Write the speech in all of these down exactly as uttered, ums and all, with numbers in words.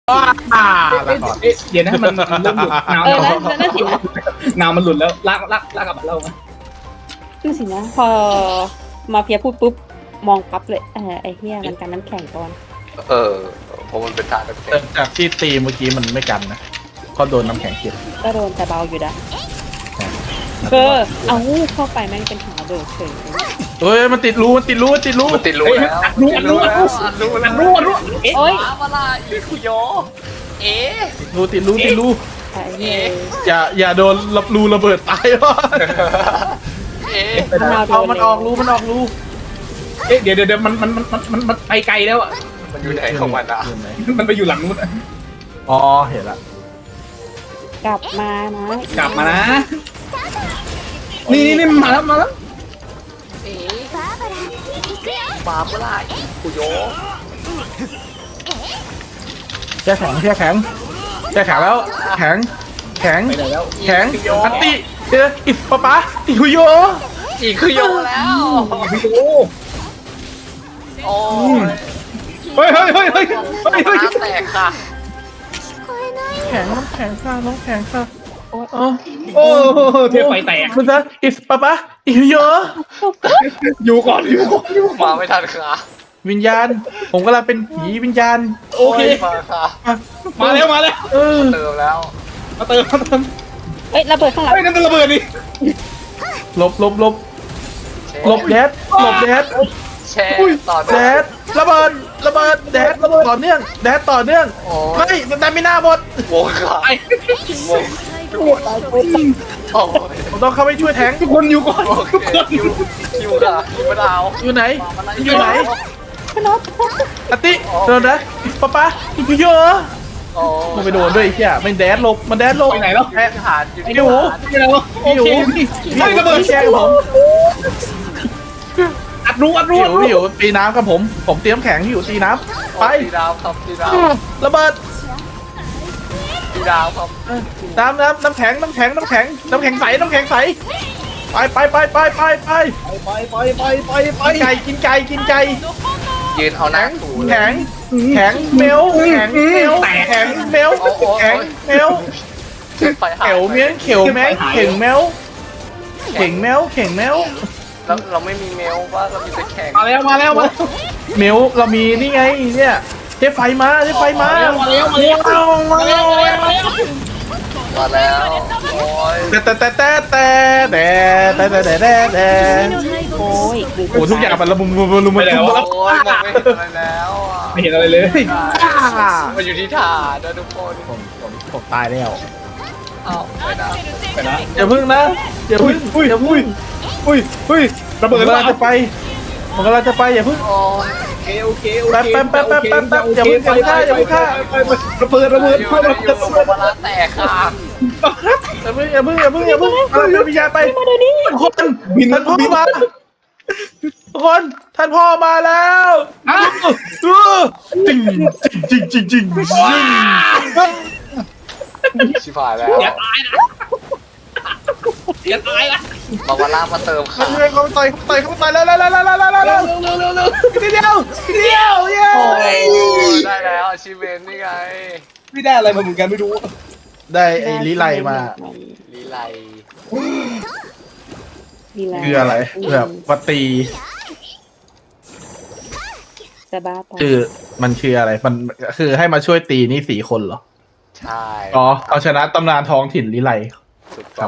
อ่าเดี๋ยวนะมันเริ่มหลุดนาวเออนั่นนั่นสินะนาวมันหลุดแล้วลากลากลากกลับมาเล่ามานั่นสินะพอมาเฟียพูดปุ๊บมองปั๊บเลยเออไอ้เหี้ยมันกันน้ำแข็งก่อนเออเพราะมันเป็นทางน้ำแข็งจากที่ตีเมื่อกี้มันไม่กันนะก็โดนน้ำแข็งเก็บก็โดนแต่เบาอยู่นะเออเอาเข้าไปแม่งเป็นหาเบิร์ดเฉยเฮ้ยมันติดรูมันติดรูมันติดรูมันติดรูแล้วรู้ติดรู้แล้วรู้รู้แล้วรู้รู้เอ๊ะโอ้ยมาลาอีคุโยเอ๊ะติดรูติดรูติดรูไอ้เหี้ยอย่าอย่าโดนรับรูระเบิดตายวะเอ๊ะเอามันออกรูมันออกรูเอ๊ะเดี๋ยวเดี๋ยวมันมันมันมันมันมันไปไกลแล้วอ่ะมันอยู่ไหนของมันอ่ะมันไปอยู่หลังนู้นอ๋อเห็นละกลับมานะกลับมานะนี่นี่นี่มาแล้วมาแล้วเอ๊ะมาเมื่อไหร่อีคุโยแช่แข็งแช่แข็งแช่แข็งแล้วแข็งแข็งไปไหนแล้วแข็งอันติเจออิปะปะอิคุโยอีคุโยแล้วโอ้โอ้ยเฮ้ยเฮ้ยเฮ้ยเฮ้ยเฮ้ยเฮ้ยน้ำแตกค่ะแข็งน้ำแข็งค่ะน้ำแข็งค่ะโอ้โอ้เทปไฟแตกมันจะอิปะปะอิคุโยอยู่ก่อนอยู่ก่อนอยู่มาไม่ทันค่ะวิญญาณ ผมกำลังเป็นผีวิญญาณโอเคยมาค่ะมาแล้วมาแล้วเออเติมแล้วมาเติมมาเติมเอ้ยระเบิดข้างหลังเฮ้ยนั่นระเบิดดิหลบหลบหลบหลบแดดหลบแดดแช่ต่อแดดระเบิดระเบิดแดดระเบิดต่อเนื่องแดดต่อเนื่องโอ้ไม่สแตมิน่าหมดวงค่ะไอ้วงโอ้ยผมต้องเข้าไปช่วยแทงทุกคนอยู่ก่อนโอทุกเคคนคิวคิวค่ะคิวมะนาวอยู่ไหนอยู่ไหนขนมอติโดนนะป๊าป๊าอีกเยอะโอ้มันไปโดนด้วยไอ้เหี้ยมันแดดหลบมันแดดหลบไปไหนแล้วแค่ฐานอยู่ที่พี่หูฐานไปไหนแล้วโอพี่หูเคพี่ไม่ระเบิดแกงผมอัดรู้อัดรู้พี่อัดหูรู้พี่หูตีน้ำกับผม ผมเตรียมแข็งพี่หูตีน้ำไปตีดาวครับตีดาวระเบิดตีดาวครับน้ำน้ำน้ำแข็งน้ำแข็งน้ำแข็งน้ำแข็งใสน้ำแข็งใสไปไปไปไปไปไปไปไปไปไปไปกินไก่กินไก่กินไก่ยืนเอาหน้าถูเลยแข็งแข็งเมลแข็งเมลแข็งเมลแข็งเมลไปหาเขียวเมี้ยนเขียวแมงเข่งแมวเข่งแมวเข่งแมวแล้วเราไม่มีเมลว่าเรามีแต่แข่งมาแล้วมาแล้วมาแล้วเมลเรามีนี่ไงเนี่ยเทไฟมาเทไฟมามาแล้วมาแล้วมาแล้วมาแล้วมาแล้วมาแล้วโอ้ยแต่แต่แต่แต่แต่แต่แต่แต่แต่แต่โอ้ยโอ้ทุกอย่างมันละมุมมุมมุมมุมโอ้ยมองไม่เห็นอะไรแล้วอ่ะไม่เห็นอะไรเลยมันอยู่ที่ฐานนะทุกคนผมผมผมตายแล้วเอาไปนะไปนะอย่าพึ่งนะอย่าอุ้พึ่ยงอุ้ยอุ้ยอุ้ยอุ้ยระผมเบิดกำลังจะไปผมกำลังจะไปอย่าพึ่งโอ้ยโอเคโอเคโอเคแป๊บแป๊บแป๊บแป๊บแป๊บแป๊บอย่าเพิ่งอย่าเพิ่งฆ่าอย่าเพิ่งฆ่าระเบิดระเบิดอยู่ระเบิดอยู่มาลาแตกค่ะอย่าพึ่งอย่าพึ่งอย่าพึ่งอย่าพึ่งเอาเป็นวิญญาณไปทุกคนบินท่านพ่อบินมาทุกคนท่านพ่อมาแล้วอ้าวเออจริงจริงจริงจริงจริงชิบหายแล้วอย่าตายนะอย่าตายนะมาวาล่ามาเติมค่ะเขาไปเขาไปต่อยเขาไปต่อยเขาไปต่อยแล้วแล้วแล้วแล้วแล้วแล้วแล้วเร็วเร็วเร็วเร็วทีเดียวทีเดียวเย้โอ้ยได้แล้วอาชีพเวนนี่ไงไม่ได้อะไรมาเหมือนกันไม่รู้ได้ไอ้ลิไลมาลีไลคืออะไรแบบวัตตีจะบ้าตายคือมันคืออะไรมันคือให้มาช่วยตีนี่สี่คนเหรอใช่อ๋อเอาชนะตำนานท้องถิ่นลิไลถูกต้อง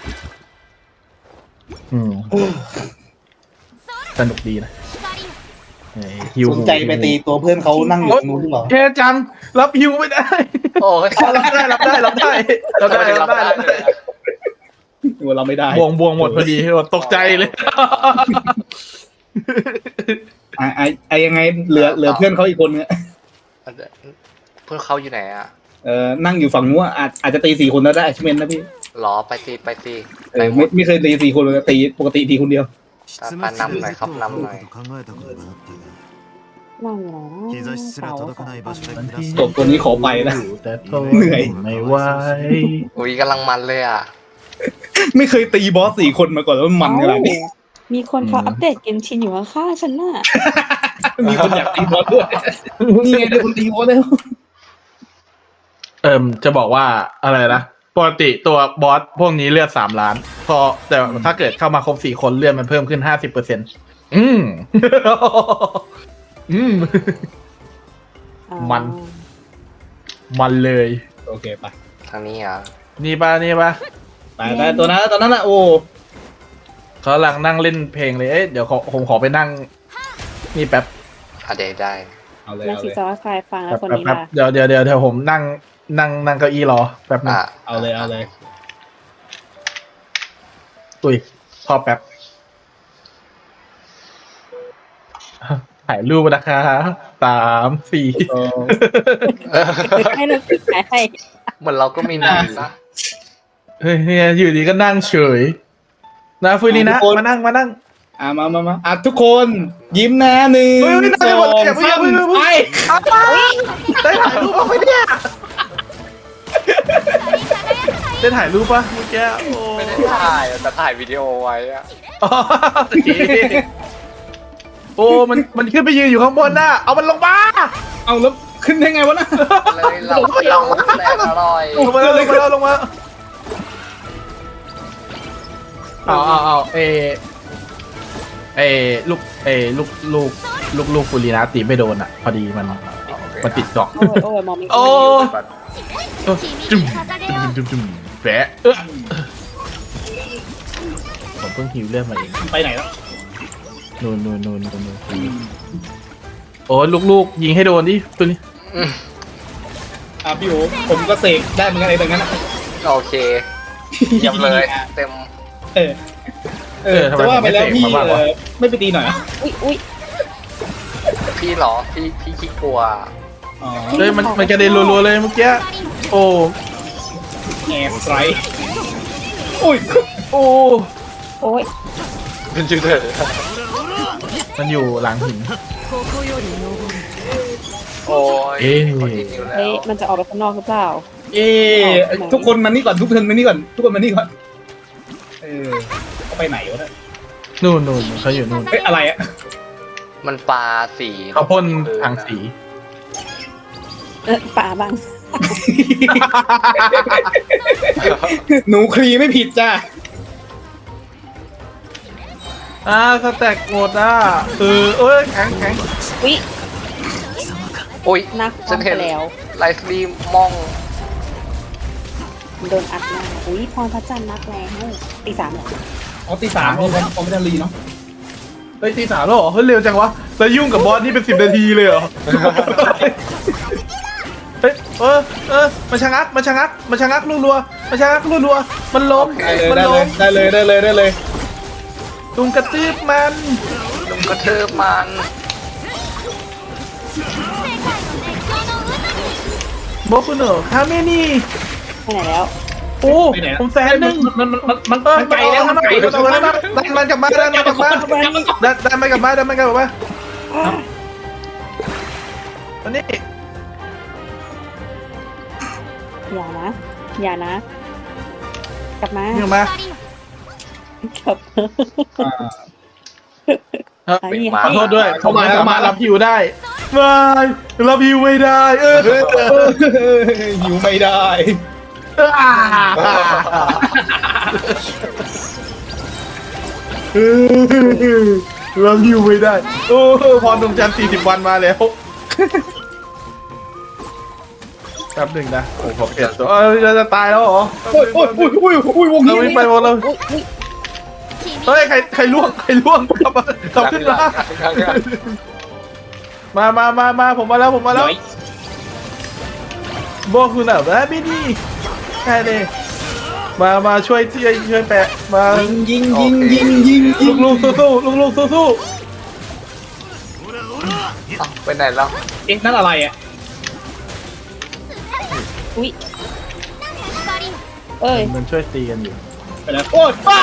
อืมสนุกดีนะเฮ้ยฮิวสนใจไปตีตัวเพื่อนเขานั่งอยู่ตรงนู้นหรือเปล่าเท่จังรับฮิวไม่ได้โอ้ยรับได้รับได้รับได้รับได้รับได้รับได้ตัวเราไม่ได้บวงบวงหมดพอดีตกใจเลยไอ้ไอ้ไอ้ยังไงเหลือเหลือเพื่อนเขาอีกคนนึงเพื่อนเขาอยู่ไหนอ่ะเออนั่งอยู่ฝั่งนู้นอาจอาจจะตีสี่คนแล้วได้ชิเมนนะพี่หรอไปตีไปตีเออไม่ไม่เคยตีสี่คนเลยตีปกติตีคนเดียวปานำหน่อยครับนำหน่อยนั่งอยู่ไหนนะเสาสองอันจบตัวนี้ขอไปนะแต่ทนเหนื่อยไม่ไหวอุ้ยกำลังมันเลยอ่ะไม่เคยตีบอสสี่คนมาก่อนแล้วมันขนาดนี้มีคนเขาอัปเดตเกมชินอยู่ข้างๆฉันน่ะมีคนอยากตีบอสด้วยนี่ไงได้คนตีบอสแล้วเอิมจะบอกว่าอะไรนะปกติตัวบอสพวกนี้เลือดสามล้าน พอแต่ถ้าเกิดเข้ามาครบสี่คนเลือดมันเพิ่มขึ้นห้าสิบเปอร์เซ็นต์อืม อืมอ๋อมัน มันเลยโอเคไปทางนี้เหรอ่ะนี่ปะนี่ปะไปได้ตัวนั้นตัวนั้นแหละโอ้เขากำลังนั่งเล่นเพลงเลย เอ๊ะเดี๋ยวขอผมขอไปนั่ง นี่แป๊บอ่ะเดี๋ยวได้เอาเลยนักเอาศึเลกยษาฝ่ายฟังแล้แป๊วบคนแป๊บนี้แป๊บล่ะเดี๋ยวเดี๋ยวเดี๋ยวเดี๋ยวผมนั่งนั่งนั่งเก้าอี้รอแป๊บนึงอ่ะเอาเลยเอาเลยตุยพอแป๊บ ถ่ายรูปนะคะสามสี่โอ้ให้เราฝึกหายให้เหมือนเราก็มีหน้านะเฮ้ยเนี่ยอยู่ดีก็นั่งเฉยนะฟุยลีนะมานั่งมานั่งอ่ะมามามาอ่ะทุกคนยิ้มนะหนึ่งเฮ้ยไม่ได้สหมอดงเลยอย่าเพิ่งสามอย่าเพิ่งไปอ้าวได้ถ่ายรูปบ้างไหมเนี่ยได้ถ่ายรูปปะเมื่อกี้โอ้ไม่ได้ถ่ายแต่ถ่ายวิดีโอไว้อะอ๋อโอเคโอ้มันมันขึ้นไปยืนอยู่ข้างบนน่ะเอามันลงมาเอาแล้วขึ้นได้ไงวะนะเลยเราเคี้ยวแรงอร่อยลงมาแล้วลงมาแล้วลงมาเอาเอาเอาเอเอลูกเอลูกลูกลูกลูกฟูรีนาตีไม่โดนอ่ะ พอดีมันมันติดเกาะโอ้ยโอ้ยมองไม่โอ้เห็นเออจุ่มจุ่มจุ่มจุ่มแปะเออผมเพิ่งฮิวเลือดมาเองไปไหนแล้วนูนนูนนูนนูนนูนโอ้ลูกๆยิงให้โดนดิตัวนี้อืมอ่ะพี่โอผมก็เสกได้เหมือนกันไอ้ตรงนั้นนะโอเคเยี่ยมเลย เต็มเออเออจะว่าไปแล้วพี่เออไม่ไปตีหน่อยเหรออุ้ยอุ้ยพี่เหรอ พี่พี่ขี้กลัวอ๋อเฮ้ยมันมันกระเด็นรัวๆเลยเมื่อกี้โอ้แอร์สไตร์โอ้ยโอ้โอ้ยเป็นชื่อเธอมันอยู่หลังหินโอ้ยเอ๊ะคนที่นิ้วแล้เฮ้ยว มันจะออกไปข้างนอกหรือเปล่าเอ๊ะทุกคนมานี่ก่อนทุกคนมานี่ก่อนทุกคนมานี่ก่อนเออเขาไปไหนวะเนี่ยนู่นนู่นเขาอยู่นู่นเฮ้ยอะไรอะมันปลาสีเขาพ่นทางสีเออป่าบ้างหนูคลีไม่ผิดจ้าอ่าสแต็กหมดอ่ะเออเอ้ยแข็งแข็งอุ้ยโอ้ยนักฉันเห็นไปแล้วไลฟ์สตรีมมองโดนอัดหน้าอุ้ยพรพระจันทร์นักแล้วตีสามเหรออ๋อตีสามผมผมไม่ได้รีเนาะเฮ้ยตีสามแล้วเหรอเฮ้ยเร็วจังวะแล้วยุ่งกับบอสนี่เป็นสิบนาทีเลยเหรอเฮ้ยเออเออมันชะงักมันชะงักมันชะงักรัวๆมันชะงักรัวๆมันล้มได้เลยมันได้ล้เลยมได้เลยได้เลยได้เลยลุงกระตืบมันลุงกระเทิบมันโบคุโนะคาเมนี่ไปไหนแล้วโอ้ผมแสนหนึ่งมันมันมันมันเออมันไกลแล้วมันไกลมันแล้วดันมันกลับมาดันมันกลับมาดันดันมันกลับมาดันมันกลับมาอันนี้อย่านะ อย่านะ กลับมานี่มากลับมาครับไอ้นี่ขอโทษด้วยผมไม่สามารถรับฮิวได้ไม่รับฮิวไม่ได้ เออหิวไม่ได้รับฮิวไม่ได้ โอ้พรดวงจันทร์สี่สิบวันมาแล้วแป๊บหนึ่งนะโอ้ผมเปลี่ยนตัวเออจะตายแล้วเหรอโอ้ยโอ้ยโอ้ยโอ้ยโอ้ยวงเรานี้วิ่งไปหมดเลยอุ้ยอุ้ยเฮ้ยใครใครล่วงใครล่วงกลับมากลับขึ้นมามามามามาผมมาแล้วผมมาแล้วโบคุณอ่ะแบบไม่ดีใช่เลยมามาช่วยช่วยช่วยแปะมายิงยิงยิงยิงยิลูงกลูกสู้สู้ลูกลูกสู้สู้เอ้าไปไหนแล้วเอ๊ะนั่นอะไรอ่ะอุ้ยเอ้ยมันช่วยตีกันอยู่ไปแล้วโอ้ยป้า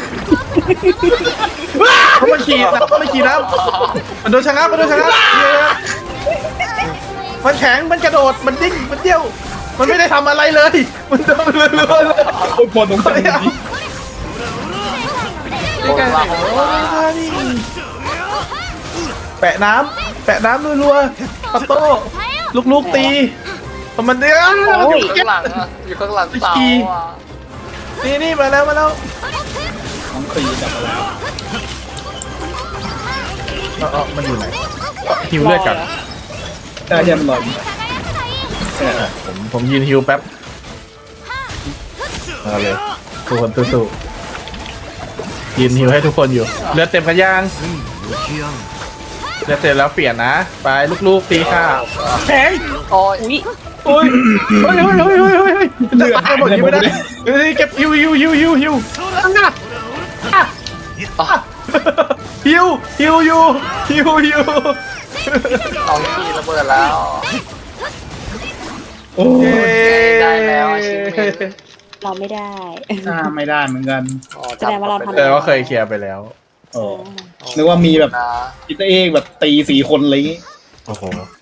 เขามาขี่นะเขามาขี่นะมันโดนชะงักมันโดนชะงักมันแข็งมันกระโดดมันดิ้งมันเดี่ยวมันไม่ได้ทำอะไรเลยมันโดนเรื่อยๆเลยโอ้ยบอลตรงกลางนี่นี่ไงโอ้ยนี่แปะน้ำแปะน้ำรัวๆปัตโต้ลูกๆตีปมันเดือดโอ้ยข้างหลังอ่ะอยู่ข้างหลังเสาอ่ะนี่นี่มาแล้วมาแล้วน้องครีกลับมาแล้วเออเออมันอยู่ไหนฮิวเลือดกันได้ยังมันลอยเออผมผมยืนฮิวแป๊บมาเลยทุกคนสู้ๆยืนฮิวให้ทุกคนอยู่เลือดเต็มกันยังเลือดเต็มแล้วเปลี่ยนนะไปลูกๆตีค่ะแข็งโอ้ยอุ้ยโอ้ยโอ้ยโอ้ยโอ้ยโอ้ยโอ้ยจะตายหมดยิงไม่ได้เฮ้ยเก็บฮิวฮิวฮิวฮิวฮิวอ่ะอ่ะอ่ะฮิวฮิวฮิวฮิวฮิวเอาขี้ระเบิดแล้วโอ้ยได้แล้วอาชิเมนเราไม่ได้หน้าไม่ได้เหมือนกันอ๋อแสดงว่าเราทำแต่ว่าเคยเคลียร์ไปแล้วโอ้นึกว่ามีแบบนะอิตาเอกแบบตีสี่คนอะไรอย่างงี้โอ้โห